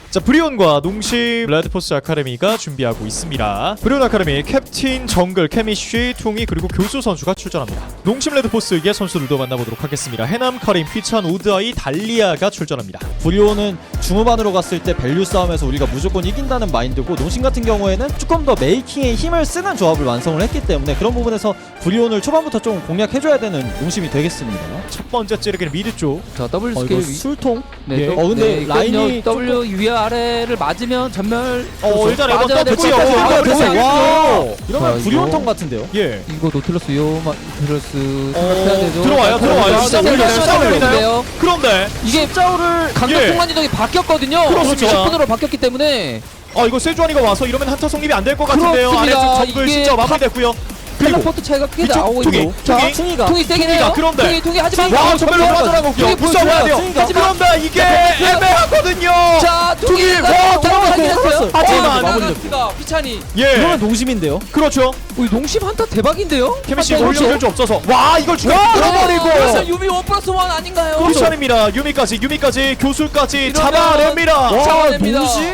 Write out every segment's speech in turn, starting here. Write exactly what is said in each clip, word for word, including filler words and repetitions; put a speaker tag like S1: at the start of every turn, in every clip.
S1: 자, 브리온과 농심 레드포스 아카데미가 준비하고 있습니다. 브리온 아카데미 캡틴, 정글, 케미쉬, 퉁이 그리고 교수 선수가 출전합니다. 농심 레드포스의 선수들도 만나보도록 하겠습니다. 해남, 카림, 휘찬, 우드아이, 달리아가 출전합니다.
S2: 브리온은 중후반으로 갔을 때 밸류 싸움에서 우리가 무조건 이긴다는 마인드고, 농심 같은 경우에는 조금 더 메이킹에 힘을 쓰는 조합을 완성을 했기 때문에 그런 부분에서 브리온을 초반부터 좀 공략해줘야 되는 농심이 되겠습니다.
S1: 첫 번째 찌르기는 미드 쪽.
S3: 자 더블
S2: 어,
S3: 스케일
S2: 이거 술통?
S3: 네,
S1: 예.
S3: 더-
S2: 어, 근데
S3: 네,
S2: 라인이
S3: W 위 아래를 맞으면 전멸.
S1: 어, 일단 에버
S3: 맞아야 될
S1: 떴고요.
S3: 것 같아요.
S1: 아,
S3: 아,
S1: 그래서
S3: 그래서
S2: 와,
S3: 자,
S2: 이러면
S3: 이거-
S2: 브리온통 같은데요?
S1: 예.
S3: 이거 노틀러스 요마 노틀러스
S1: 어,
S3: 생각해야 되죠.
S1: 들어와요,
S3: 자,
S1: 들어와요.
S3: 들어와요.
S1: 시작
S3: 자,
S1: 올리나요?
S3: 시작
S1: 시작
S3: 올리는데요.
S1: 올리나요? 그런데
S3: 이게
S2: 십자우를
S3: 강력
S1: 예.
S3: 순간 이동이 바뀌었거든요.
S1: 그렇습니다.
S3: 십 분으로 바뀌었기 때문에
S1: 아, 이거 세주안이가 와서 이러면 한타 성립이 안 될 것 같은데요.
S3: 그렇습니다.
S1: 아래쪽 정글
S3: 이게
S1: 진짜 마무리됐고요. 그리고
S3: 텔레포트 차이가 꽤
S1: 이쪽
S3: 나오고
S1: 퉁이,
S3: 있고.
S1: 퉁이.
S3: 자,
S2: 퉁이가
S3: 퉁이 세긴
S1: 퉁이가
S3: 해요.
S1: 그런데.
S3: 퉁이 퉁이 하지만
S1: 와, 정말 빠져나가고요.
S3: 퉁이
S1: 붙어줘야 돼요.
S2: 퉁이가.
S1: 그런데 이게 애매하거든요.
S3: 자
S1: 퉁이,
S3: 퉁이
S1: 와,
S3: 들어가긴 했어요.
S1: 하지만
S3: 마무리가 휘찬이.
S1: 예.
S2: 이러면 농심인데요?
S1: 그렇죠.
S3: 우리 농심 한타 대박인데요?
S1: 케미씨
S3: 한타
S1: 올려줄
S3: 농심.
S1: 수 없어서 와, 이걸 죽여
S3: 그래서
S1: 끊어버리고
S3: 유미 원 플러스 원 아닌가요?
S1: 쿠션입니다. 유미까지 유미까지 교수까지
S3: 이러면-
S1: 잡아냅니다.
S3: 와, 잡아냅니다.
S2: 농심?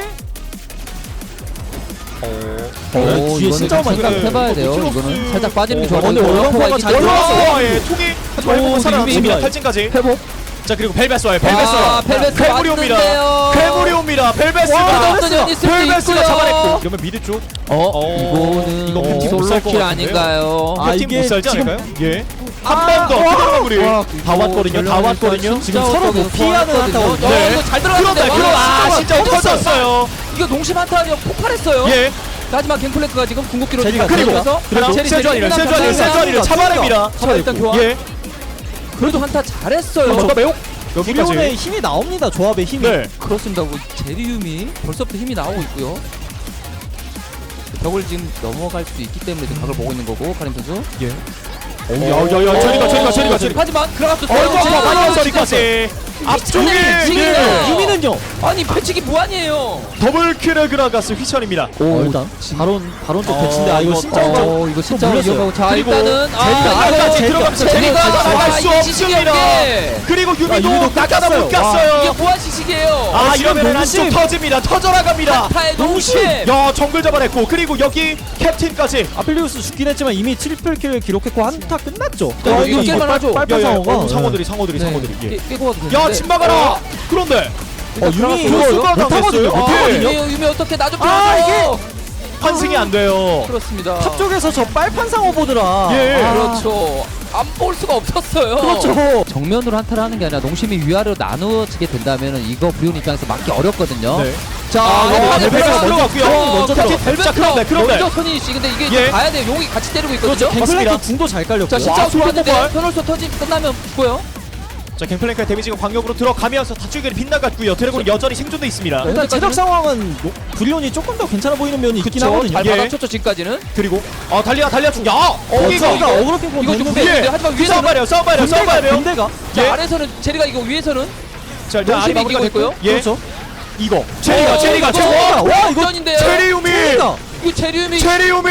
S3: 오,
S2: 어, 뒤에
S3: 이거는
S2: 진짜 많이
S3: 생각
S1: 깎여요.
S3: 해봐야 돼요.
S1: 이거
S3: 이거는
S1: 플러스-
S3: 살짝 빠지는 게
S1: 어,
S3: 좋아.
S2: 근데 올라오고 잘
S1: 올라와서 예, 통이 하지만
S3: 오,
S1: 해보고 살아남습니다.
S3: 유미.
S1: 탈진까지.
S3: 회복.
S1: 자, 그리고 벨베스 와요. 벨베스
S3: 아,
S1: 와.
S3: 벨베스
S1: 괴물이 옵니다.
S3: 왔는데요.
S1: 괴물이 옵니다. 벨베스가
S3: 와, 어떤 연이 있을 수도
S1: 벨베스가
S3: 있고요.
S1: 잡아냈고. 그러면 미드 쪽.
S3: 어,
S1: 어,
S3: 이거는
S1: 이거 캡틴 못살것
S3: 솔로킬
S1: 같은데요?
S3: 아닌가요?
S2: 아,
S1: 캡틴
S2: 이게
S1: 못 살지
S2: 지금-
S1: 않을까요? 예.
S2: 아,
S1: 한 번 더.
S2: 와.
S1: 그런 마무리.
S3: 와,
S1: 다
S3: 이거
S1: 왔거든요. 다
S3: 전략이
S1: 왔거든요.
S3: 진짜
S2: 지금 서로 못 피하는 한타거든요.
S3: 어,
S1: 네.
S3: 이거 잘
S1: 그런데
S3: 들어갔는데.
S1: 그럼 아, 진짜 없어졌어요.
S3: 이거 농심 한타가 폭발했어요.
S1: 예.
S3: 하지만 갱플랭크가 지금 궁극기로
S2: 제리가
S1: 그리고
S3: 그래서
S1: 그리고
S3: 제리,
S1: 세주안이를
S3: 제리,
S1: 세주안이를
S3: 제리,
S1: 세주안이를
S2: 제리,
S1: 잡아냅니다.
S3: 제리, 일단 교환.
S1: 예.
S3: 그래도 한타 잘했어요.
S1: 먼저 매혹.
S2: 브리온의
S1: 여기까지.
S2: 힘이 나옵니다. 조합의 힘이.
S1: 네.
S3: 그렇습니다. 뭐 제리움이 벌써부터 힘이 나오고 있고요. 벽을 지금 넘어갈 수 있기 때문에 지금 각을 보고 있는 거고 카림 선수.
S1: 예. 야야야, 저리가 저리가 저리가 저리가.
S3: 하지만 들어갔었어요.
S1: 얼마
S3: 제리,
S1: 많이
S3: 제리,
S1: 저리까지. 앞쪽에
S3: 지금
S1: 예.
S2: 유미는요?
S3: 아니 패치기 무한이에요.
S1: 더블킬을 그라가스 휘찬입니다.
S2: 어, 일단 바론 바론 쪽
S1: 어,
S2: 배치인데 아 이거
S1: 이거-
S2: 진짜
S3: 어 이거 진짜
S2: 물렸어요.
S3: 위험하고 자
S1: 그리고
S3: 일단은
S1: 제리가
S3: 아,
S1: 끝까지
S3: 이거
S1: 들어가면서
S3: 제리가
S1: 제리가 나갈
S3: 아,
S1: 수
S3: 이 지식이
S1: 없습니다.
S3: 없게.
S1: 그리고
S2: 아,
S1: 유미도
S2: 유미도
S1: 낚아다 못
S2: 깎았어요.
S1: 갔어요.
S3: 이게 무한 지식이에요.
S1: 아,
S2: 아, 지금
S1: 이러면
S2: 농심.
S1: 안쪽 터집니다. 터져나갑니다.
S3: 한타의 농심.
S1: 야, 정글 잡아냈고 그리고 여기 캡틴까지.
S2: 아필리우스 죽긴 했지만 이미 트리플 킬을 기록했고 한타 끝났죠.
S3: 어,
S2: 아,
S3: 이거 깰만 하죠.
S2: 빨판
S1: 야, 야,
S2: 상어가
S1: 어, 상어들이 상어들이
S3: 네.
S1: 상어들이. 예.
S3: 깨- 깨고 가도 되는데.
S1: 야, 침 막아라. 그런데
S2: 어, 유미
S3: 이거
S1: 교수가
S2: 못하거든요.
S1: 당했어요.
S2: 못하거든요.
S3: 유미 유미 어떻게 나좀
S2: 아,
S3: 줘.
S1: 환승이 안 돼요.
S3: 그렇습니다.
S2: 탑 쪽에서 저 빨판 상어 보더라.
S1: 예.
S2: 아,
S3: 그렇죠. 안 볼 수가 없었어요.
S2: 그렇죠.
S3: 정면으로 한타를 하는 게 아니라 농심이 위아래로 나누어지게 된다면 이거 브리온 입장에서 막기 어렵거든요.
S1: 네.
S3: 자,
S1: 아,
S3: 이거
S1: 어,
S3: 벨벳
S1: 벨벳
S3: 먼저
S1: 들어갔고요.
S3: 들어갔고요.
S2: 먼저
S3: 자,
S2: 들어갔-
S3: 벨벳
S1: 자, 그런데, 그런데.
S3: 먼저 선이 근데 이게
S1: 예.
S3: 좀 가야 돼요. 용이 같이 때리고 있거든요.
S2: 그렇죠.
S1: 맞습니다.
S2: 갱플랭크 궁도 잘 깔렸고.
S3: 자,
S1: 와,
S3: 진짜
S1: 소름
S3: 좋았는데
S1: 폭발.
S3: 페널소 터지 끝나면 죽고요.
S1: 자, 갱플랭크의 데미지가 광역으로 들어가면서 다쪽이 빗나갔고요. 드래곤은 여전히 생존돼 있습니다.
S2: 일단 체력 상황은 노- 브리온이 조금 더 괜찮아 보이는 면이 있긴
S3: 그쵸.
S2: 하거든요.
S3: 잘
S1: 예.
S3: 받아쳤죠 지금까지는.
S1: 그리고 아, 달리아 달리아 중. 야,
S2: 어,
S1: 여기가
S2: 저기가 어그로 핑퐁
S3: 이거 좀
S2: 됐는데
S3: 예. 하지만 위에서는-
S1: 싸워봐요, 싸워봐요, 싸워봐요.
S2: 군대가
S3: 자,
S1: 예.
S3: 아래서는 제리가 이거 위에서는
S1: 자, 일단
S3: 농심이
S1: 마무리가
S3: 이기고 있고요.
S1: 예.
S2: 그렇죠.
S1: 이거 체리가
S3: 어,
S1: 체리가
S3: 이거
S1: 체리.
S2: 와,
S3: 와,
S2: 이거
S3: 이거
S1: 체리우미.
S2: 체리가.
S3: 이거 제리움이
S1: 체리우미.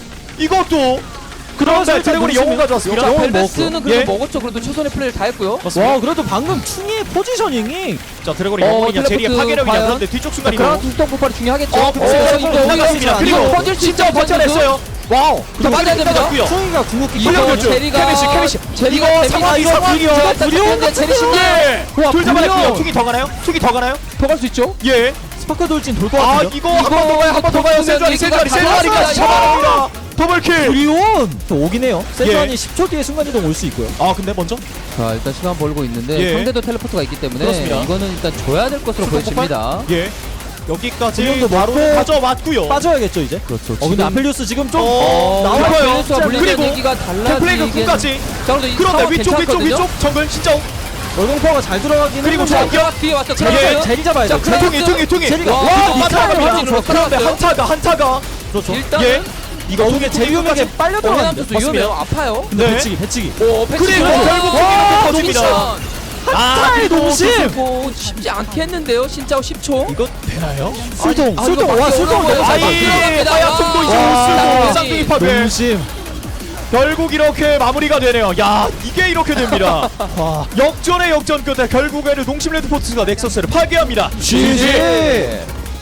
S1: 이것도 그런데
S2: 일단
S1: 드래곤이
S2: 농심이-
S1: 영웅 가져왔습니다.
S3: 자,
S2: 영웅
S3: 벨베스는
S2: 먹었고요.
S3: 그래도
S1: 예.
S3: 먹었죠. 그래도 최선의 플레이를 다 했고요.
S2: 와 그래도 방금 충의 포지셔닝이
S1: 자, 드래곤이
S3: 어,
S1: 영웅이냐 제리의
S3: 텔레포트
S1: 파괴력이냐.
S3: 과연?
S1: 그런데 뒤쪽 순간이
S3: 그런
S1: 너무
S3: 두통 폭발이 중요하겠죠.
S1: 어,
S3: 어,
S1: 어,
S3: 이거
S1: 나갔습니다.
S3: 이거
S1: 그리고
S3: 퍼즐 수
S1: 진짜
S3: 있죠,
S1: 버텨냈어요. 와우.
S3: 자, 맞아야 됩니다.
S1: 고요
S2: 충이가 궁극기
S3: 이거
S1: 훈련결주.
S3: 제리가
S1: 케미시, 케미시.
S3: 제리가
S1: 이거
S3: 데미지
S1: 상황,
S3: 이거
S1: 상황,
S3: 브리온
S1: 이거
S2: 브리온
S3: 근데 제리 신기
S1: 예.
S3: 와,
S1: 둘 잡아냈고요.
S3: 브리온.
S1: 툭이 더 가나요? 툭이 더 가나요?
S3: 더 갈 수 있죠.
S1: 예.
S2: 스파크 돌진 돌 것
S1: 아,
S2: 같은데.
S1: 이거 한 번 더 가요. 한 번 더 가요. 세주아리, 세주아리, 세주아리까지 잡아냅니다. 더블킬.
S2: 브리온 또 오긴 해요. 세주안이
S1: 예.
S2: 십 초 뒤에 순간이동 올 수 있고요.
S1: 아, 근데 먼저
S3: 자, 일단 시간 벌고 있는데
S1: 예.
S3: 상대도 텔레포트가 있기 때문에
S1: 그렇습니다.
S3: 이거는 일단 줘야 될 것으로
S1: 수도
S3: 보여집니다.
S1: 예. 여기까지
S2: 브리온도
S1: 바로
S2: 먹고
S1: 가져왔고요.
S2: 빠져야겠죠 이제.
S3: 그렇죠.
S2: 어 근데 아펠리우스 지금 좀
S1: 어,
S2: 나와요.
S1: 나와요.
S3: 벨베스와 물리는
S1: 그리고
S3: 얘기가
S1: 템플레이크
S3: 달라지긴.
S1: 끝까지.
S3: 자, 그래도 이
S1: 그런데
S3: 상황
S1: 위쪽 위쪽
S3: 괜찮거든요.
S1: 위쪽 정글 진짜.
S2: 월공파가 잘 들어가긴
S1: 그리고
S2: 했는데
S1: 저기요.
S3: 자, 뒤에 왔어.
S2: 제리
S1: 예.
S2: 제리 잡아야
S3: 자,
S2: 돼.
S3: 그래.
S1: 퉁이 퉁이 퉁이.
S2: 제리가
S3: 와,
S1: 와,
S3: 이거
S1: 맞아갑니다.
S3: 확진으로
S1: 그런데
S3: 끌어갔어요.
S1: 한타가 한타가.
S2: 그렇죠.
S3: 일단은
S1: 예. 이거
S2: 이게 제리움에게 빨려
S3: 해남
S2: 들어가는데.
S3: 선수 위험해요. 아파요.
S2: 근데
S1: 네.
S2: 배치기 배치기.
S3: 오, 패치
S1: 그리고
S3: 들어가서.
S1: 결국
S3: 와,
S1: 터집니다.
S3: 농심.
S1: 아,
S2: 한타의 농심.
S3: 오, 쉽지 않겠는데요. 진짜 십 초.
S1: 이거 되나요?
S2: 술통
S3: 아,
S2: 술통
S3: 이거
S2: 와
S3: 밖에
S2: 술통
S3: 올라오고요.
S2: 너무 잘
S3: 아이,
S2: 봤어요.
S3: 들어갑니다.
S1: 하얀 송도 이제
S3: 와,
S1: 못 쓰고
S3: 쌍둥이
S1: 쌍둥이 파괴.
S2: 농심.
S1: 결국 이렇게 마무리가 되네요. 야, 이게 이렇게 됩니다.
S2: 와.
S1: 역전의 역전 끝에 결국에는 농심 레드포스가 넥서스를 파괴합니다.
S2: 지지!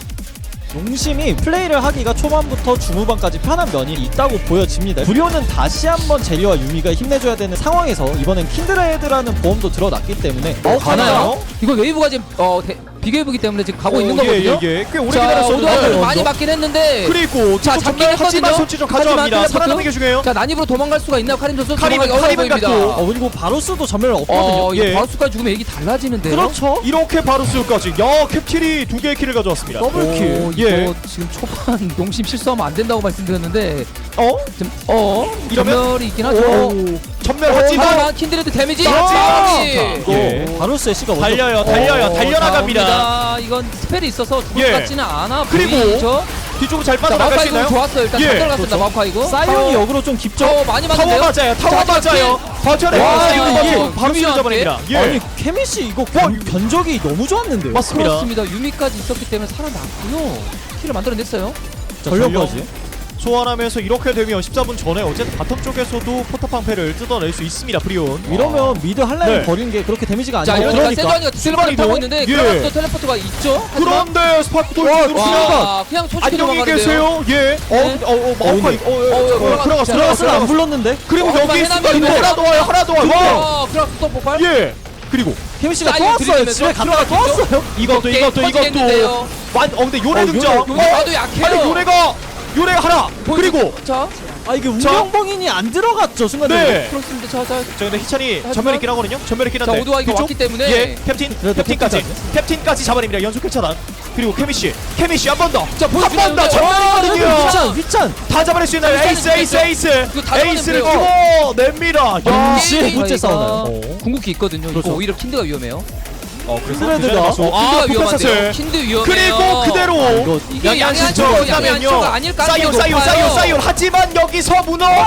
S2: 농심이 플레이를 하기가 초반부터 중후반까지 편한 면이 있다고 보여집니다. 불효는 다시 한번 제리와 유미가 힘내줘야 되는 상황에서 이번엔 킨드레드라는 보험도 들어났기 때문에
S3: 어,
S1: 가나요?
S3: 가나요? 이거 웨이브가 지금 어, 대, 비교해보기 때문에 지금 가고
S1: 어,
S3: 있는
S1: 예,
S3: 거거든요.
S1: 예, 예. 꽤 오래
S3: 자,
S1: 기다렸었는데
S3: 오도하고
S2: 네,
S3: 많이
S2: 먼저.
S3: 맞긴 했는데
S1: 그리고
S3: 자,
S1: 자,
S3: 잡긴
S1: 하지만
S3: 했거든요.
S1: 손치 좀 가져갑니다.
S3: 하지만
S1: 살아남는 게 중요해요.
S3: 자, 난입으로 도망갈 수가 있나요? 카림 선수?
S1: 카림은-
S3: 도망가기 어려워
S1: 카림은
S3: 보입니다.
S1: 갔고.
S2: 어 그리고 바루스도 전멸 없거든요.
S3: 어,
S1: 예.
S3: 이거 바루스까지 죽으면 얘기 달라지는데요.
S2: 그렇죠.
S1: 이렇게 바루스까지 야 캡틴이 두 개의 킬을 가져왔습니다.
S2: 더블킬.
S3: 오,
S1: 예.
S3: 이거 지금 초반 농심 실수하면 안 된다고 말씀드렸는데
S1: 어?
S3: 좀 어?
S1: 이러면?
S3: 전멸이 있긴 하죠.
S1: 오. 전멸하지만
S3: 하지만 킨드레드 데미지
S1: 자,
S3: 마무리!
S1: 자,
S2: 예.
S1: 오.
S2: 바루스의 C가 먼저
S1: 달려요, 달려요,
S3: 어,
S1: 달려나갑니다.
S3: 자, 옵니다. 이건 스펠이 있어서 죽을
S1: 예.
S3: 것 같지는 않아
S1: 그리고
S3: 보이죠?
S1: 뒤쪽으로 잘
S3: 자,
S1: 빠져나갈 수
S3: 마우카이고
S1: 있나요?
S3: 좋았어요. 일단
S1: 예.
S3: 잘 들어갔습니다. 마우카이고.
S2: 사이온이 역으로 좀 깊죠.
S3: 어, 많이
S1: 타워
S3: 맞는데요?
S1: 맞아요. 타워
S3: 자,
S1: 맞아요. 버텨내고
S3: 와,
S1: 사이온
S3: 이거
S1: 버티고 바로
S3: 유미한테?
S1: 쏟아버립니다. 예.
S2: 아니 케미씨 이거 견, 견적이 너무 좋았는데요.
S1: 맞습니다.
S3: 그렇습니다. 유미까지 있었기 때문에 살아났고요. 킬을 만들어냈어요.
S2: 자, 전력까지.
S1: 소환하면서 이렇게 되면 십사 분 전에 어쨌든 바텀 쪽에서도 포탑 방패를 뜯어낼 수 있습니다. 프리온.
S2: 이러면 미드 한 라인
S1: 네.
S2: 버리는 게 그렇게 데미지가
S3: 자,
S2: 아니고
S3: 이러니까
S2: 그러니까
S3: 세조안이가 텔레포트 타고 있는데
S1: 예.
S3: 그라가스도 텔레포트가 있죠? 하지만
S1: 그런데 스파크
S2: 와,
S1: 돌진으로
S2: 와.
S1: 순간
S3: 와, 그냥 솔직히
S1: 안녕히
S3: 도망가는데요.
S1: 계세요. 예. 어,
S3: 네.
S1: 어, 어, 마우카
S2: 어,
S1: 어, 어,
S3: 어,
S1: 어,
S3: 들어갔-
S1: 들어갔어.
S2: 들어갔으면 안
S1: 들어갔어.
S2: 불렀는데
S1: 그리고
S3: 어,
S1: 여기
S3: 해남이
S1: 있으니까
S3: 있는데.
S1: 하나 더 와요. 하나 더 와요.
S3: 와, 그라가스 또 폭발?
S1: 예. 그리고
S2: 케미씨가 또
S3: 사이온
S2: 왔어요.
S3: 들이대면서
S2: 집에 갔다가 또
S3: 들어갔죠?
S2: 왔어요.
S1: 이것도
S3: 게임
S1: 이것도 이것도
S3: 터지겠는데요.
S1: 완 어 근데 요네
S2: 어,
S1: 등장.
S2: 요네,
S3: 요네 봐도 약해요.
S1: 아니 요네가 요네가 하나. 그리고
S3: 자,
S2: 아 이게 운명봉인이 안 들어갔죠 순간적으로.
S1: 네.
S3: 그렇습니다. 자, 자,
S1: 저 근데 희찬이
S3: 하지만-
S1: 전멸 있긴 하거든요. 전멸 있긴 한데.
S3: 자, 오도와 이거
S1: 뒤쪽?
S3: 왔기 때문에
S1: 예. 캡틴
S2: 그래도
S1: 캡틴까지
S2: 캡틴까지.
S1: 캡틴까지 잡아냅니다. 연속 킬 차단. 그리고 케미씨 케미씨 한 번 더.
S3: 자,
S1: 한 번 더
S3: 보여주나요?
S1: 전멸이거든요.
S2: 휘찬 휘찬.
S1: 다 잡아낼 수 있나요? 에이스 에이스 에이스.
S3: 이거 다
S1: 에이스를
S3: 잡아내면
S1: 집어냅니다. 야.
S2: 동시에
S3: 게임이
S2: 번째
S3: 저희가
S2: 싸우나요? 어.
S3: 궁극기 있거든요.
S2: 그렇죠.
S3: 이거 오히려 킨드가 위험해요.
S1: 어 그래서
S2: 킨드레드가-
S1: 아
S3: 킨드가 위험한데요.
S1: 포커스를.
S3: 킨드 위험해요.
S1: 그리고 그대로
S2: 이거
S3: 이게
S1: 양양
S3: 양양
S1: 신청
S3: 쪽으로 양양
S1: 있다면요.
S3: 쪽가 아닐 가능성이
S1: 사이온 사이온
S3: 높아요.
S1: 사이온 사이온 하지만 여기서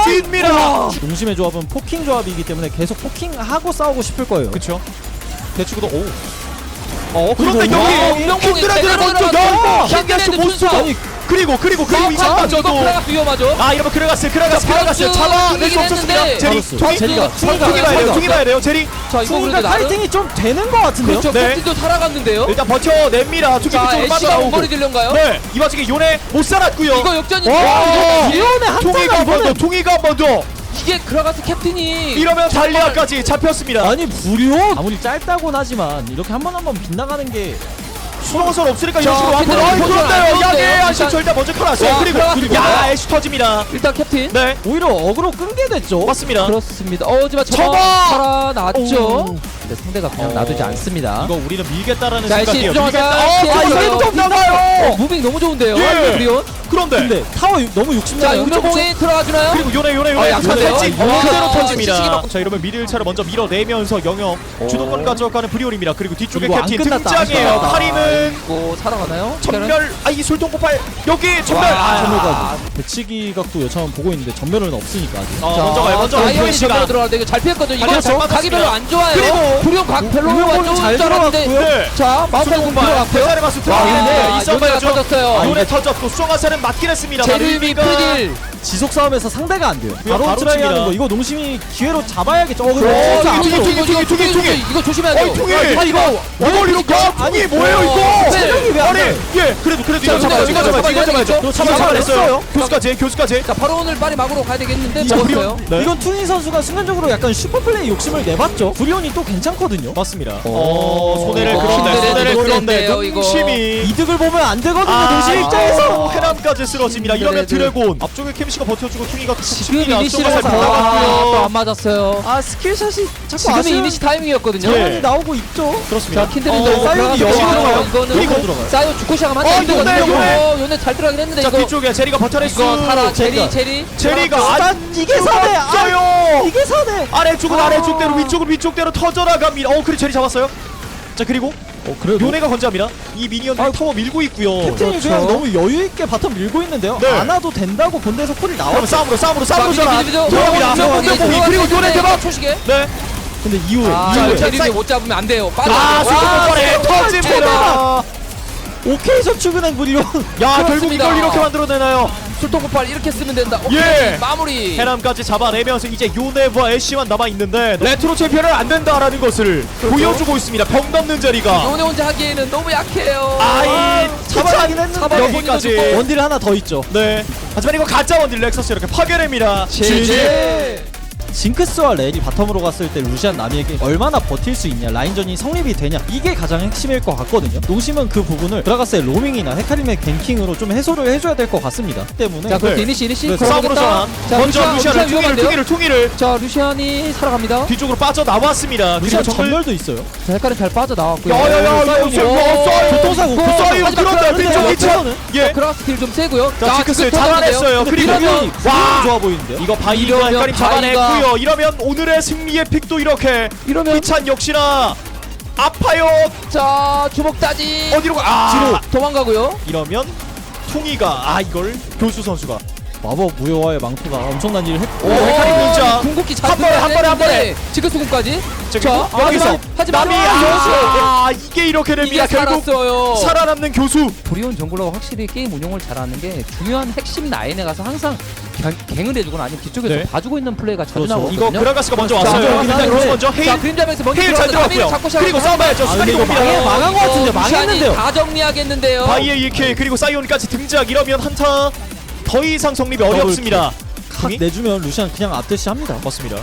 S1: 무너집니다.
S2: 농심의 조합은 포킹 조합이기 때문에 계속 포킹하고 싸우고 싶을 거예요.
S1: 그렇죠. 대치구도 오. 어 그런데
S2: 그리고-
S3: 와,
S1: 여기
S3: 운명공에
S1: 킨드레드를
S3: 제대로
S1: 먼저
S3: 들어갔어요.
S1: 열고 향기하시
S3: 킨드레드
S1: 모스터.
S3: 순서.
S1: 아니 그리고 그리고 그리고
S3: 자,
S1: 이장마저도
S3: 이거 그라가스 위험하죠.
S1: 아 이러면 그라가스 그라가스 그라가스
S3: 바로
S1: 잡아낼 수
S3: 쭉
S1: 없었습니다.
S3: 했는데
S1: 제리
S2: 바로스.
S1: 퉁이
S2: 제리가
S1: 퉁이
S3: 퉁이가
S1: 봐야 돼요.
S3: 퉁이가
S1: 퉁이 봐야 돼요. 제리
S3: 자, 이거
S2: 순간
S3: 그래도 나름
S2: 파이팅이 좀 되는 것 같은데요.
S3: 그렇죠.
S1: 네.
S3: 캡틴도 살아갔는데요.
S1: 일단 버텨냅니다. 퉁이
S3: 자,
S1: 그쪽으로
S3: 애쉬가
S1: 빠져나오고.
S3: 원거리 딜런가요?
S1: 네 이 와중에 요네 못 살았고요.
S3: 이거 역전이
S1: 와
S2: 리온의 한타가
S1: 퉁이가 한 번 더
S2: 이번엔-
S1: 퉁이가 한 번 더
S3: 이게 그라가스 캡틴이
S1: 이러면 달리아까지 잡혔습니다.
S2: 아니 불효 아무리 짧다곤 하지만 이렇게 한 번 한 번 빗나가는 게
S1: 수동선 없으니까
S3: 자,
S1: 이런 식으로 앞으로
S3: 킨드레드
S1: 아이
S3: 포지션 안
S1: 그런데요. 야게
S3: 좋은데요?
S1: 안심
S3: 일단-
S1: 절대 먼저 켜놨어요.
S3: 와,
S1: 그리고
S3: 그리고-
S1: 야 애쉬 터집니다.
S3: 일단 캡틴
S1: 네
S2: 오히려 어그로 끈게 됐죠.
S1: 맞습니다.
S3: 그렇습니다. 어, 하지만 저거
S1: 저거!
S3: 살아났죠.
S1: 오.
S3: 근데 상대가 그냥
S1: 어.
S3: 놔두지 않습니다.
S1: 이거 우리는 밀겠다라는
S3: 자, 애쉬
S1: 생각이에요.
S3: 수정하자.
S1: 밀겠다. 어,
S3: 피해서
S1: 아, 이게
S3: 가요.
S1: 또 나가요.
S3: 어, 무빙 너무 좋은데요.
S1: 예.
S3: 브리온.
S1: 그런데
S2: 근데 타워 유- 너무
S3: 자,
S2: 욕심나요.
S3: 용병공이 들어가 주나요?
S1: 그리고 요네 요네
S3: 아,
S1: 요네
S3: 약한데요?
S1: 터지
S3: 아, 이거-
S1: 그대로
S3: 아,
S1: 터집니다.
S3: 시식이 막-
S1: 자 이러면 미들 차를 먼저 밀어내면서 영역 주도권 가져가는 브리온입니다. 그리고 뒤쪽에
S2: 그리고 안
S1: 캡틴
S2: 끝났다,
S1: 등장해요.
S2: 안 끝났다.
S1: 카림은
S3: 뭐 살아가나요?
S1: 전멸 아이 술통 폭발 여기 전멸
S3: 와,
S1: 아,
S2: 전멸가 배치기 각도 여차하면 보고 있는데 전멸은 없으니까 아직.
S1: 어, 먼저 가요 먼저 가요
S3: 아이언이
S1: 브리온씨가.
S3: 전멸로 들어가는데 이거 잘 피했거든요. 이거
S1: 아니요, 잘
S3: 각이
S1: 맞았습니다.
S3: 별로 안 좋아요.
S1: 그리고
S3: 브리온 각 별로 안
S2: 운명공이 잘
S3: 좋은 줄 알았는데
S2: 들어갔고요.
S1: 네.
S3: 자, 마우카이
S1: 수동
S3: 공
S1: 공발
S3: 들어갔고요.
S1: 회사를 맞서
S3: 와,
S1: 들어가는데
S3: 근데
S1: 이
S3: 요네가
S1: 싸움이죠.
S3: 터졌어요.
S1: 요네 터졌고 수정화살은 맞긴 했습니다.
S3: 제르미 프리딜.
S2: 지속 싸움에서 상대가 안 돼요.
S1: 그냥
S2: 바로
S1: 바로
S2: 트라이 하는
S1: 칩니다.
S2: 거 이거 농심이 기회로 잡아야겠죠. 어,
S3: 어,
S2: 근데 진짜
S3: 이거,
S2: 안
S3: 이거,
S2: 돼요.
S3: 이거, 이거,
S1: 퉁이,
S3: 이거,
S1: 퉁이.
S3: 이거, 이거 조심해야
S1: 어이
S3: 돼요.
S1: 퉁이
S2: 아, 이거
S1: 이걸 이렇게 아니 뭐예요 이거
S2: 체력이 왜안
S1: 아니
S2: 돼요?
S1: 예 그래도 그래도
S3: 자,
S1: 이거 잡아야죠 이거
S3: 이거
S1: 잡아야죠 이거 잡아야죠
S3: 잡아야죠.
S1: 잡아 잡아냈어요 교수까지 교수까지
S3: 자, 바로 오늘 빨리 막으로 가야 되겠는데
S1: 자,
S3: 죽었어요.
S1: 브리온. 네.
S2: 이건 투니 선수가 순간적으로 약간 슈퍼플레이 욕심을 내봤죠. 브리온이 또 괜찮거든요.
S1: 맞습니다 어 손해를
S3: 이거
S1: 그런데
S3: 킨드레드
S1: 손해를 그런데
S3: 노렸네요, 이거.
S1: 농심이
S2: 이득을 보면 안 되거든요.
S1: 아,
S2: 농심 입장에서.
S1: 어, 해남까지 쓰러집니다 이러면
S3: 킨드레드.
S1: 드래곤 앞쪽에 케미씨가 버텨주고 퉁이가
S3: 지금
S1: 칩니다.
S3: 이니시를
S1: 쏘가살
S3: 아,
S1: 빗나갔고요.
S3: 또안 맞았어요.
S2: 아 스킬샷이 자꾸
S3: 지금이
S2: 아쉬운
S3: 이니시 타이밍이었거든요.
S1: 예.
S2: 상황이 나오고 있죠.
S1: 그렇습니다
S3: 자, 킨드레드
S1: 어,
S2: 사이온이 여기 들어가요.
S3: 이거는
S1: 그리고
S2: 들어가요.
S3: 사이온 죽고 시작하면
S1: 어,
S3: 안 돼.
S1: 요네, 요네.
S3: 어, 요네 잘 들어가긴 했는데
S1: 자
S3: 이거
S1: 뒤쪽에 제리가 버텨낼 수
S3: 이거 타라 제리
S2: 제리가.
S3: 제리
S1: 제리가
S2: 아,
S1: 안
S2: 이게 사네. 아,
S1: 죽었어요
S2: 이게 사네.
S1: 아래쪽은
S2: 아.
S1: 아래쪽대로 위쪽은 위쪽대로 터져나갑니다 어 그래 제리 잡았어요 자 그리고
S2: 어 그래도
S1: 요네가 건재합니다 이 미니언들이
S2: 아,
S1: 타워 밀고 있고요
S2: 캡틴이
S3: 그렇죠.
S2: 그냥 너무 여유 있게 바텀 밀고 있는데요.
S1: 네.
S2: 안 와도 된다고 본 데서 콜이
S1: 그럼
S2: 나왔죠.
S1: 싸움으로 싸움으로 싸움으로
S3: 자,
S1: 전화
S3: 미드, 미드, 미드.
S1: 들어갑니다
S3: 운명공이
S1: 운명공이 그리고
S3: 들어갔는데
S1: 요네 대박
S3: 초시계.
S1: 네
S2: 근데 이후에
S3: 아,
S2: 이후에
S1: 자,
S3: 제리
S1: 사이-
S3: 못 잡으면 안 돼요. 빠져.
S1: 아, 수도권에
S2: 수도권
S1: 터집니다.
S2: 오케이 저축은행 브리온.
S1: 야, 결국
S3: 그렇습니다.
S1: 이걸 이렇게 만들어내나요?
S3: 술통 폭발 이렇게 쓰면 된다. 오케이.
S1: 예.
S3: 마무리.
S1: 해남까지 잡아내면서 이제 요네와 애쉬만 남아있는데 레트로 챔피언은 안 된다라는 것을
S3: 그렇죠.
S1: 보여주고 있습니다. 병 넘는 자리가.
S3: 요네 혼자 하기에는 너무 약해요.
S1: 아이
S2: 잡아가긴 했는데
S3: 잡아내기까지.
S1: 여기까지.
S2: 원딜 하나 더 있죠.
S1: 네. 하지만 이거 가짜 원딜 렉서스 이렇게 파괴됩니다.
S3: 제제.
S2: 징크스와 렐이 바텀으로 갔을 때 루시안 나미에게 얼마나 버틸 수 있냐, 라인전이 성립이 되냐, 이게 가장 핵심일 것 같거든요. 농심은 그 부분을 드라가스의 로밍이나 헤카림의 갱킹으로 좀 해소를 해줘야 될 것 같습니다. 때문에
S3: 자, 그럼
S1: 네.
S3: 이니시 이니시
S1: 네, 싸움으로 전환.
S3: 자,
S1: 먼저
S3: 루시안,
S1: 루시안을
S3: 루시안
S1: 퉁이를
S3: 위험한데요?
S1: 퉁이를 퉁이를
S3: 자, 루시안이 살아갑니다.
S1: 뒤쪽으로 빠져 나왔습니다.
S2: 루시안
S1: 정글.
S2: 전멸도 있어요.
S3: 자, 헷갈림 잘 빠져 나왔고요.
S1: 야야야 이거 지금 뭐 싸요.
S2: 교통사고,
S1: 그 싸요.
S3: 마지막
S1: 그런데
S3: 그런데
S1: 뒤쪽
S2: 그런데
S1: 이차. 예.
S3: 크라스 킬좀 세고요.
S1: 자, 징크스
S3: 지금
S1: 잡아냈어요.
S3: 터졌는데요.
S1: 그리고
S3: 이러면
S1: 와
S2: 좋아 보이는데요.
S1: 이거 바이가
S3: 이러면
S1: 헷갈림 잡아냈고요. 이러면 오늘의 승리의 픽도 이렇게
S3: 이러면
S1: 이찬 역시나 아파요.
S3: 자, 주먹 따지.
S1: 어디로 가? 아
S3: 뒤로 도망가고요.
S1: 이러면 퉁이가 아 이걸 교수 선수가
S2: 마법 무효화의 망토가 엄청난 일을 했고,
S1: 오, 헷갈림 문자.
S3: 궁극기 잘
S1: 한 번에, 한 번에, 한 번에.
S3: 지금 수군까지.
S1: 지금
S3: 자,
S1: 여기서
S3: 하지만
S1: 남이 아 이게 이렇게 됩니다.
S3: 이게
S1: 결국
S3: 살았어요.
S1: 살아남는 교수.
S3: 브리온 정글러가 확실히 게임 운영을 잘하는 게 중요한 핵심 라인에 가서 항상 갱, 갱을 해주거나 아니면 뒤쪽에서
S1: 네.
S3: 봐주고 있는 플레이가 자주
S2: 그렇죠.
S3: 나오거든요.
S1: 이거 그라가스가 먼저
S3: 자,
S1: 왔어요.
S2: 들어오긴
S1: 일단
S2: 하는데.
S1: 그로스 먼저 헤일
S3: 자, 그림자면서 먼저
S1: 헤일 잘
S3: 들어가서 나비를
S1: 들어갔고요.
S3: 잡고 시작을
S1: 그리고
S3: 하는
S1: 싸움해야죠.
S2: 아,
S1: 수간이
S2: 근데 이거
S1: 옵니다.
S2: 망해, 망한 것 같은데,
S3: 루시안이
S2: 망했는데요.
S3: 다 정리하겠는데요.
S1: 바이의 일 킬 그리고 사이온까지 등장. 이러면 한타 더 이상 성립이 어렵습니다.
S2: 탁 내주면 루시안 그냥 앞대시 합니다.
S1: 맞습니다.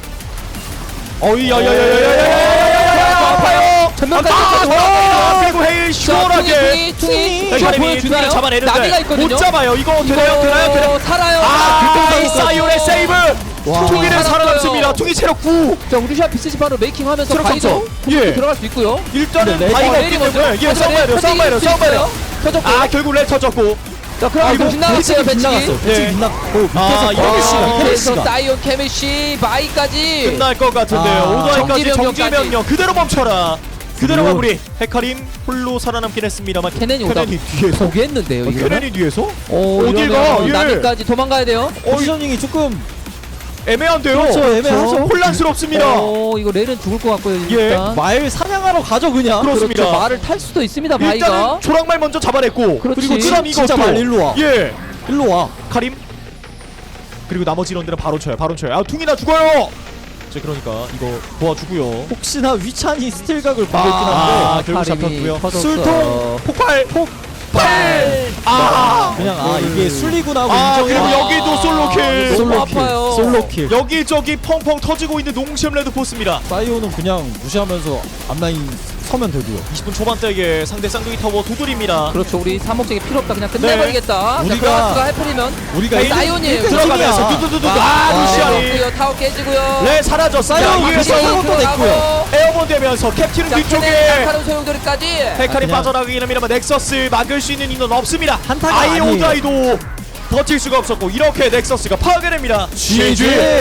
S1: 어이 야야야야야야야야야야 아파요.
S3: 전면까지
S1: 아,
S3: 와.
S1: 아, 그리고 헤일 시원하게
S3: 퉁이 퉁이
S1: 헤카림이
S3: 보여주나요?
S1: 퉁이를 잡아내는데
S3: 나비가 있거든요.
S1: 못 잡아요. 이거 되나요? 되나요? 되나요?
S3: 살아요.
S1: 아, 이 사이온의 세이브.
S3: 와.
S1: 퉁이를
S3: 살았어요.
S1: 살아남습니다. 퉁이 체력 구.
S3: 자, 우리 샷 비스시 바로 메이킹하면서
S1: 체력
S3: 바이도
S1: 감소. 예.
S3: 들어갈 수 있고요.
S1: 일단은
S2: 근데
S1: 바이가
S3: 레이디
S1: 없기 때문에
S3: 먼저.
S1: 예, 싸움 봐야 돼요. 싸움 봐야 돼요. 싸움 봐야 돼요.
S3: 터졌고.
S1: 아, 결국 렐 터졌고.
S3: 자, 그럼
S1: 아,
S3: 이거
S1: 이거
S3: 빗나갔어요, 배치기.
S2: 빗나갔어요.
S1: 네.
S2: 배치기 빗나갔고, 밑에서
S1: 아, 이거
S2: 케미씨가,
S3: 그래서
S2: 케미씨가.
S3: 사이온 케미씨 바이까지
S1: 끝날 것 같은데요.
S2: 아,
S1: 오더이까지
S3: 정지
S1: 정지
S3: 명령까지.
S1: 명령 그대로 멈춰라. 그대로
S2: 그리고-
S1: 마무리. 헤카림 홀로 살아남긴 했습니다만
S3: 케넨이 오다
S1: 케넨이 뒤에서
S3: 포기했는데요.
S1: 어,
S3: 이거는.
S1: 케넨이 뒤에서
S3: 오,
S1: 어딜
S3: 이러면
S1: 가? 예.
S3: 나비까지 도망가야 돼요.
S2: 포지셔닝이 조금
S1: 애매한데요.
S2: 그렇죠, 애매하죠.
S1: 혼란스럽습니다.
S3: 오, 이거 렐은 죽을 것 같고요.
S1: 예.
S3: 일단.
S2: 말 사냥하러 가죠 그냥.
S1: 그렇습니다.
S3: 그렇죠. 말을 탈 수도 있습니다. 바이가.
S1: 일단은 조랑말 먼저 잡아냈고
S3: 그렇지.
S1: 그리고 그다음 이거
S2: 진짜
S1: 또
S2: 말 일로 와.
S1: 예
S2: 일로 와.
S1: 카림 그리고 나머지 인원들은 바로 쳐요. 바로 쳐요. 아 퉁이나 죽어요. 자 그러니까 이거 도와주고요.
S2: 혹시나 위찬이 스틸각을 보고 있긴
S1: 아,
S2: 한데
S1: 결국
S3: 카림이
S1: 잡혔고요.
S3: 터졌어.
S1: 술통 폭발 폭발 아
S2: 그냥 아 이게 순리구나 하고
S1: 아
S2: 인정해.
S1: 그리고 여기도 솔로킬
S3: 너무
S2: 솔로킬.
S3: 아파요.
S2: 솔로킬.
S1: 여기저기 펑펑 터지고 있는 농심 레드포스입니다.
S2: 사이오는 그냥 무시하면서 앞라인 서면 되고요.
S1: 이십 분 초반대에 상대 쌍둥이 타워 두드립니다.
S3: 그렇죠. 우리 삼목적이 필요 없다. 그냥 끝내버리겠다.
S2: 네.
S3: 자,
S2: 우리가-
S3: 그라스가 해프리면
S2: 우리가
S1: 헤일
S3: 사이온이에요.
S2: 일 등
S1: 들어가면서
S2: 팀이야.
S1: 두두두두
S3: 와,
S1: 아
S3: 와,
S1: 루시안이
S3: 깨지고요. 타워 깨지고요.
S1: 네 사라졌어요.
S2: 사이온
S1: 위에서
S2: 위에서
S3: 위에서
S2: 또 냈고요.
S1: 에어본 되면서 캡틴은 뒤쪽에
S3: 날카로운 소용돌이까지.
S1: 헤카림
S2: 그냥-
S1: 빠져나가긴 합니다만 넥서스 막을 수 있는 인원 없습니다.
S2: 한타가
S1: 아예
S2: 아니에요.
S1: 오드아이도 버틸 수가 없었고 이렇게 넥서스가 파괴됩니다.
S2: 지지.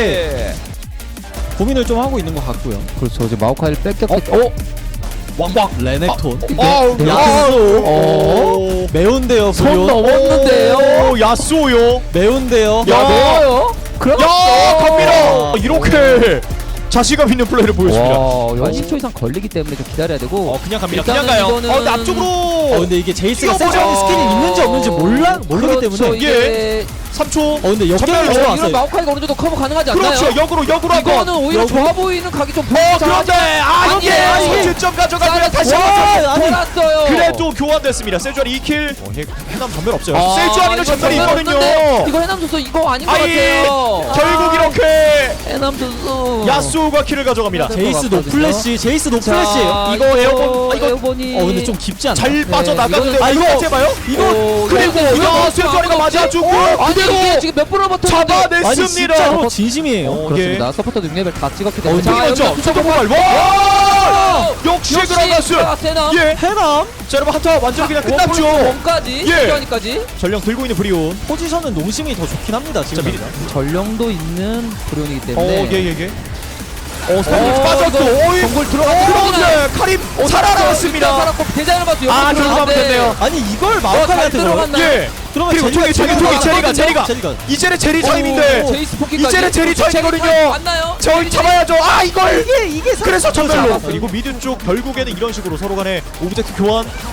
S2: 고민을 좀 하고 있는 것 같고요.
S3: 그렇죠. 이제 마오카이를 뺏겼기
S1: 어?
S3: 때문에.
S2: 왕왕 레넥톤.
S1: 어우
S3: 네,
S1: 야수.
S2: 어. 매운데요.
S3: 손
S2: 브리온.
S3: 넘었는데요.
S1: 오, 야수요.
S2: 매운데요.
S1: 야.
S3: 매워요? 그럼
S1: 야 갑니다. 이렇게 자신감 있는 플레이를 보여줍니다.
S3: 와, 이거 십 초 이상 걸리기 때문에 좀 기다려야 되고.
S1: 어 그냥 갑니다.
S3: 일단은
S1: 그냥 가요.
S3: 이거는-
S1: 어 근데 앞쪽으로.
S2: 어 근데 이게 제이스가
S1: 뛰어버려.
S2: 세주하는 스킬이 있는지 없는지 몰라 모르기
S3: 그렇죠,
S2: 때문에.
S3: 이게
S1: 삼 초.
S2: 어 근데 역전을
S1: 전멸로
S3: 이런
S2: 들어왔어요.
S3: 마오카이가 어느 정도 커버 가능하지 않나요?
S1: 그렇죠. 역으로 역으로 한번.
S3: 이거는 오히려
S2: 역으로?
S3: 좋아 보이는 각이 좀
S1: 어
S3: 보이죠.
S1: 그런데 아 여기
S3: 아니에요.
S1: 선취점 가져가고요. 다시
S3: 와,
S1: 한번.
S2: 아니.
S3: 돌았어요.
S1: 그래도 교환됐습니다. 세주안 이 킬. 어, 해, 해남 전멸 없어요.
S3: 아,
S1: 세주안이는
S3: 이거
S1: 전멸이
S3: 전멸
S1: 있거든요.
S3: 없는데 이거 해남 선수 이거 아닌 것
S1: 아이,
S3: 같아요.
S1: 결국 이렇게
S3: 해남 선수.
S1: 야수가 킬을 가져갑니다.
S3: 네.
S2: 제이스
S3: 같거든요.
S2: 노플래시. 제이스
S3: 자,
S2: 노플래시예요.
S1: 이거 에어본- 아, 이거-
S3: 에어본이.
S2: 어 근데 좀 깊지 않나?
S1: 잘
S3: 네,
S1: 빠져나가는데
S3: 이거는-
S2: 아, 이거-
S1: 해봐요.
S2: 이거
S3: 오,
S1: 그리고
S3: 이거
S1: 야
S3: 이거
S1: 세주안이가
S3: 이거
S1: 맞아주고
S3: 아니
S1: 그대로
S3: 이게 지금 몇 분을 버텼는데.
S2: 아니
S1: 잡아냈습니다.
S2: 진짜로 진심이에요.
S1: 어,
S3: 그렇습니다. 서포터도 육 레벨 다 찍었기 때문에.
S1: 어, 자, 먼저
S3: 여기서
S1: 투톱
S3: 투톱
S1: 폭발. 와! 역시
S3: 역시
S1: 그라가스.
S3: 그라가스 해남.
S1: 예.
S2: 해남
S1: 자 여러분 한타 완전 그냥 끝났죠.
S3: 원까지.
S1: 예.
S3: 시간까지.
S1: 전령 들고 있는 브리온.
S2: 포지션은 농심이 더 좋긴 합니다. 지금.
S1: 미리-
S3: 전령도 있는 브리온이기 때문에.
S1: 어, 예, 예, 예. 어, 스타일
S3: 어,
S1: 빠졌고,
S3: 이거
S1: 어이,
S3: 정글 들어가-
S1: 그런데 카림 살아남았습니다.
S3: 살았고 대장을 봤어요.
S1: 아, 결국 하면 됐네요.
S2: 아니 이걸
S3: 잘
S2: 마오카이한테
S3: 들어갔나?
S1: 예.
S2: 그러면
S1: 그리고
S2: 제리가
S1: 저기, 저기,
S2: 제리가
S1: 저기, 제리가, 제리가.
S2: 제리가.
S1: 이제는 제리
S2: 오,
S1: 타임인데,
S2: 오,
S3: 제이스 포기까지.
S1: 이제는 제리 타임이거든요.
S3: 제리 맞나요?
S1: 저희 잡아야죠. 아, 이걸!
S2: 이게 이게
S1: 그래서 전멸로.
S3: 잡았어요.
S1: 그리고 미드 쪽 결국에는 이런 식으로 서로 간에 오브젝트 교환.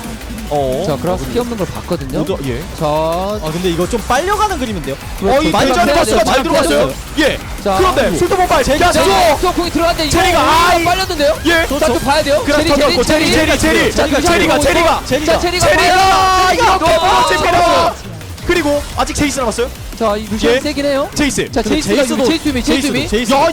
S1: 어.
S3: 자 그라가스 피 없는 걸 봤거든요.
S1: 오더 예.
S3: 자,
S2: 아 근데 이거 좀 빨려가는 그림인데요.
S1: 어, 이
S3: 많이
S1: 대전의
S3: 빼야
S1: 버스가
S3: 돼요.
S1: 잘 들어갔어요. 예.
S3: 자,
S1: 그런데 술도모바일 제가
S3: 자,
S1: 쏘.
S3: 또 공이 들어갔는데 이거
S1: 제리가,
S3: 오히려
S1: 아이.
S3: 빨렸는데요.
S1: 예.
S3: 자, 또 봐야 돼요.
S1: 그라스 터졌고 제리 제리 제리
S3: 자,
S1: 제리가
S3: 유찬이
S1: 제리가
S3: 보고
S1: 제리가
S3: 자, 제리가
S1: 제리가
S3: 봐요.
S1: 이렇게
S3: 아,
S1: 멀어집니다. 그리고 아직 제이스 남았어요.
S3: 자, 이 루시안
S1: 예.
S3: 세긴 해요.
S1: 제이스.
S3: 자, 제이스가
S2: 제이스도
S3: 제이스 미 제이스 미.
S2: 제이스.
S1: 야,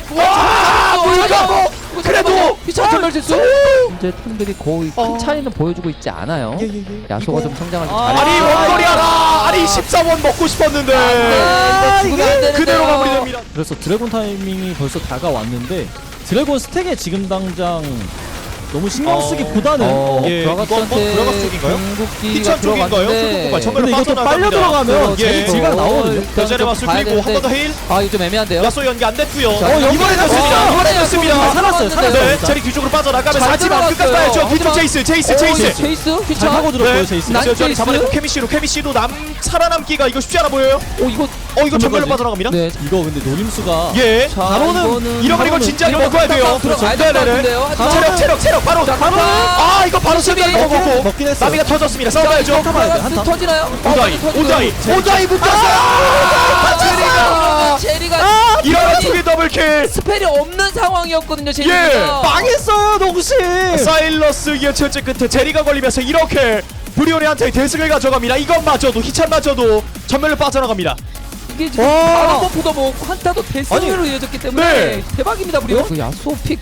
S1: 와, 물가고. 그래도
S3: 피차 전멸 실수. 이제 턴들이 거의 큰 차이는 보여주고 있지 않아요.
S2: 예, 예, 예.
S3: 야소가 좀 성장을 좀
S2: 아,
S3: 잘해.
S1: 아니 원거리 하나. 아니 십삼 원 먹고 싶었는데.
S3: 아, 이거 죽으면 안 되는데요.
S1: 그대로 마무리됩니다.
S2: 그래서 드래곤 타이밍이 벌써 다가왔는데 드래곤 스택에 지금 당장 너무 신경
S1: 어.
S2: 쓰기보다는
S3: 어,
S1: 예, 이건 뭐
S3: 브라가스한테
S1: 브라가스 쪽인가요?
S3: 궁극기가
S1: 피천 쪽인가요?
S3: 들어갔는데
S1: 술도모바일 정면으로
S2: 근데 이것도 빨려
S1: 빠져나갑니다.
S2: 들어가면
S1: 예.
S2: 제리 딜각 나오거든요.
S1: 대전의 마술 그리고 한 번 더 헤일.
S3: 아, 이거 좀 애매한데요.
S1: 야소 연기 안 됐고요.
S3: 자,
S1: 어, 이번에
S3: 연결이
S1: 됐습니다.
S3: 됐어요.
S1: 이번에 됐습니다.
S2: 살았어요, 살았어요.
S1: 네,
S2: 진짜.
S1: 제리 뒤쪽으로 빠져나가면서
S3: 잘
S1: 하지만 끝까지
S3: 들어갔어요.
S1: 가야죠. 뒤쪽
S3: 하지만-
S1: 제이스, 제이스,
S3: 오,
S1: 제이스.
S3: 제이스
S2: 잘
S3: 피차.
S2: 하고 들었고요,
S1: 네.
S2: 제이스.
S3: 난
S1: 저 저리
S3: 제이스.
S1: 잡아내고 케미씨로 케미씨도 남 살아남기가 이거 쉽지 않아 보여요.
S3: 오, 이거
S1: 어 이거 전멸로
S2: 전멸까지.
S1: 빠져나갑니다.
S3: 네.
S2: 이거 근데 노림수가
S1: 예.
S3: 자,
S2: 바로는
S3: 이거는
S1: 이러면 이건 진짜
S3: 이러면
S1: 먹어야 돼요.
S3: 들어가야 될 것
S1: 네네네.
S3: 같은데요. 하지만
S1: 체력 체력 체력 바로
S3: 자,
S1: 바로.
S3: 가만.
S1: 아 이거 바로
S3: 수비.
S1: 수비 먹었고
S2: 먹긴 했어요.
S1: 나비가 터졌습니다. 싸워야죠.
S2: 잡아야 돼,
S3: 브라가스
S2: 한타.
S3: 터지나요?
S1: 오다이
S3: 터지고요.
S1: 오다이 오다이 붙었어요.
S3: 아,
S1: 제리가
S3: 제리가
S1: 이러면 두개 더블킬.
S3: 스펠이 없는 상황이었거든요.
S1: 예.
S3: 제리가
S2: 망했어요, 농심.
S1: 사일러스 이어철제 끝에 제리가 걸리면서 이렇게 브리오네한테 대승을 가져갑니다. 이것마저도 희찬마저도 전멸로 빠져나갑니다.
S3: 이게 지금
S2: 와.
S3: 바로 버프도 뭐 한타도 대승으로 이어졌기 때문에
S1: 네.
S3: 대박입니다, 브리오. 그 야소 픽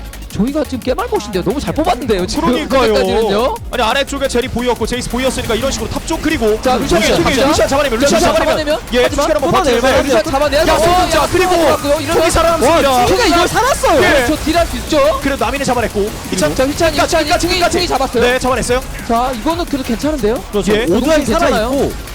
S3: 저희가 지금 깨말못인데요. 너무 잘 뽑았는데요. 지금
S1: 그러니까요.
S3: 현재까지는요.
S1: 아니 아래쪽에 제리 보이었고 제이스 보이었으니까 이런 식으로 탑쪽 그리고
S3: 자, 루시안
S1: 루시안
S3: 잡자.
S1: 루시안 잡아내면
S3: 자,
S1: 루시안
S3: 루시안
S1: 잡아내면
S3: 잡아내면?
S1: 예
S3: 하지만
S1: 투시간 한번
S2: 끊어내요.
S1: 버텨내면
S3: 루시안 잡아내야
S1: 야소 자 그리고
S3: 이러면
S1: 총이 살아남습니다.
S3: 와,
S2: 가 이걸 살았어요.
S1: 예.
S3: 저 딜할 수 있죠.
S1: 그래도 나민이 잡아냈고 이찬
S3: 자, 휘찬이
S1: 끝까지,
S3: 휘찬이
S1: 끝까지,
S3: 총이
S1: 끝까지.
S3: 총이 잡았어요.
S1: 네 잡아냈어요.
S3: 자, 이거는 그래도 괜찮은데요.
S2: 그렇죠.
S1: 예.
S2: 오드라이
S3: 농심
S2: 살아있고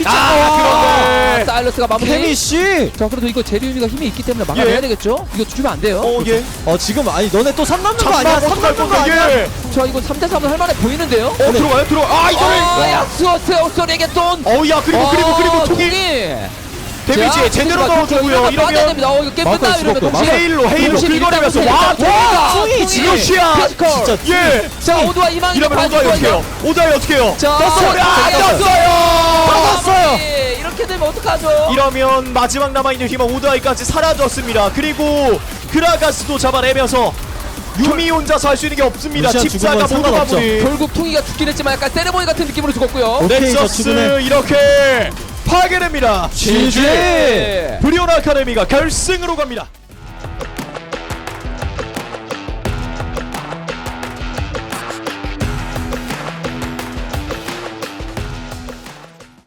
S1: 아 그런데
S3: 사일러스가 마무리.
S2: 케미씨.
S3: 자, 그래도 이거 제리윤이가 힘이 있기 때문에 막아내야
S1: 예.
S3: 되겠죠. 이거 주면 안 돼요.
S1: 어예
S2: 어 지금 아니 너네 또 삼 남는 거 아니야? 삼
S1: 어떡할
S2: 남는 거
S1: 건데
S2: 아니야?
S1: 예.
S3: 자, 이거 삼 대 삼은 할 만해 보이는데요.
S1: 어 들어가요 들어 아 이거를
S3: 아, 약수어스의 소리에게 돈.
S1: 어야 그리고 그리고 그리고 총이 데미지에 제대로 넣어주고요. 이러면
S3: 됩니다. 어, 이거 게임
S2: 마우카이
S3: 끝나 이러면
S2: 죽었고요.
S3: 동시에
S1: 헤일로 헤일로
S3: 동시에
S1: 긁어내면서
S3: 일단
S1: 와
S3: 일단
S1: 와
S3: 총이
S1: 총이
S3: 지금
S1: 지루시야
S3: 피지컬.
S2: 진짜
S1: 예.
S3: 자, 오도와 이망이
S1: 이러면 오다이 어떻게 해요? 오다이 어떻게 해요?
S3: 자,
S1: 떴어요. 아,
S3: 떴어요.
S1: 떴어요.
S3: 떴어요. 이렇게 되면 어떡하죠?
S1: 이러면 마지막 남아있는 희망 오다이까지 사라졌습니다. 그리고 그라가스도 잡아내면서 유미 혼자서 할 수 있는 게 없습니다.
S2: 루시안
S1: 집사가
S2: 죽은 건
S1: 모두
S2: 상관없죠.
S1: 마무리.
S3: 결국 퉁이가 죽긴 했지만 약간 세레모니 같은 느낌으로 죽었고요.
S2: 오케이, 저
S1: 넥서스
S2: 죽음의
S1: 이렇게 파괴됩니다.
S2: 지지.
S3: 네.
S1: 브리온 아카데미가 결승으로 갑니다.